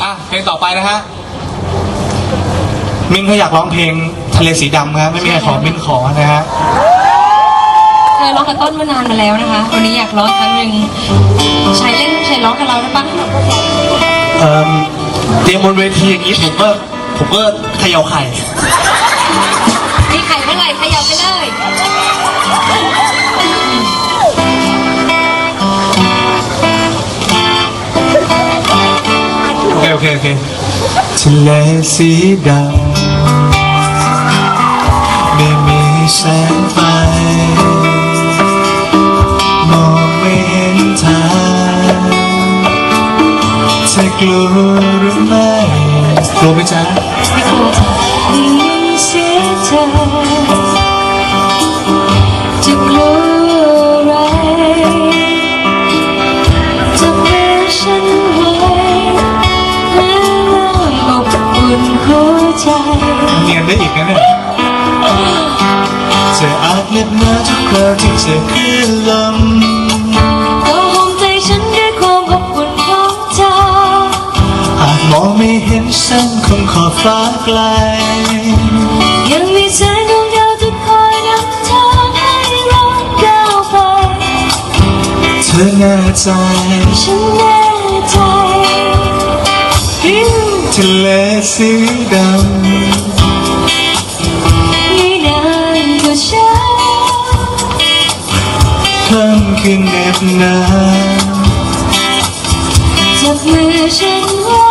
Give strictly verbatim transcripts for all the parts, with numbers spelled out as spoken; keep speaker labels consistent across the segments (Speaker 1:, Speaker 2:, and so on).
Speaker 1: อ่ะเพลงต่อไปนะฮะมิ้นเขาอยากร้องเพลงทะเลสีดำครับไม่มีใครขอมิ้นขอนะฮะ
Speaker 2: เคยร้องกับต้นมานานมาแล้วนะคะวันนี้อยากร้องครั้งหนึ่งชายเล่นชายร้องกับเราได้ปะ
Speaker 1: เอ่อเตรียมบนเวทีอย่างนี้ผมก็ผมก็เขย่าไข่
Speaker 2: มีไข่เมื่อไหร่ขยับไปเลย
Speaker 1: โอเคโอเคโอเคทะเลสีดำไม่มีแสงไฟมองไม่เห็นทางเธอกลัวหรือไม่กลัวไหมจ๊ะ
Speaker 2: ไม่กลัวได้ยินเสียงเธอจะกลัวอะไรจะเมื่อฉันไว้และอบอุ่นหัวใจ
Speaker 1: เนียนได้อีกนะเนี่ยเธออาจเหน็บหนาวทุกคราวที่เจอคลื่นลม
Speaker 2: ก็ห่วงใจฉันด้วยความอบอุ่นของเธอ
Speaker 1: อาจมองไม่เห็นแสงของขอบฟ้าไกล
Speaker 2: ยังมีแสงดวงดาวที่คอยนำทางให้เราก้าวไป
Speaker 1: เธอแน่ใจ
Speaker 2: ฉันแน่ใจ
Speaker 1: ทะเลสีดำ
Speaker 2: ไม่นานก็เช้า
Speaker 1: ค่ำคืนเหน็บหนาว
Speaker 2: จับมือฉันไว้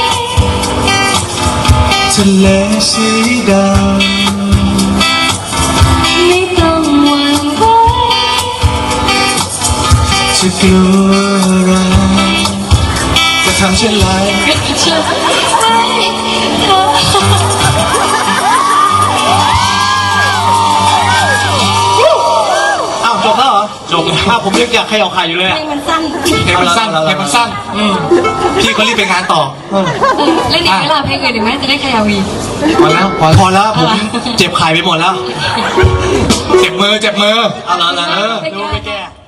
Speaker 1: ทะเลสีดำ
Speaker 2: ไม่ต้องหวั่นไหว
Speaker 1: จะกลัวอะไรจะทำเช่นไรอ้าวจบแล้วเหรอจบแล้วผมยังอยากใครเอาใครอยู่เลย
Speaker 2: เพลงมันสั้น
Speaker 1: เพลงมันสั้นเพลงมันสั้นพี่เขารีบไปงานต่อ
Speaker 2: เล่นอีกเวลาเพลงอื่นอีกไหมจะได้ขยาวี
Speaker 1: พอแล้วพอแล้วผมเจ็บไข่ไปหมดแล้วเจ็บมือเจ็บมือเอาละเอาละดูไปแก้